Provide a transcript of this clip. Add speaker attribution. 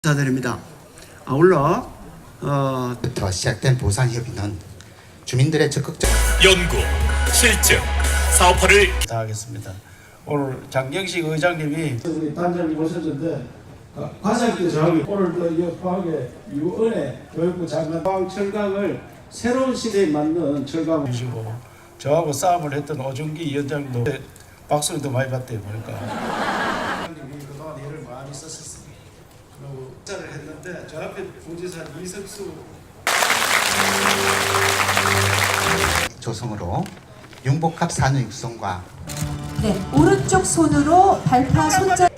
Speaker 1: 감사드립니다. 아울러
Speaker 2: 부터 시작된 보상협의는 주민들의 적극적
Speaker 3: 연구, 실증, 사업화를
Speaker 4: 다하겠습니다. 오늘 장경식 의장님이
Speaker 5: 우리 단장님 오셨는데 과장님께 저하고 오늘도 이 포항의 유은혜 교육부 장관 포항 철강을 새로운 시대에 맞는 철강
Speaker 4: 주시고 저하고 싸움을 했던 오준기 위원장도 박수도 많이 받대요 보니까. 장관님이 그동안 일을 많이 썼었습니다. 그리고 식사를 했는데 저 앞에 부지사 이석수
Speaker 2: 조성으로 융복합 산업 육성과
Speaker 6: 네, 오른쪽 손으로 발파 손잡이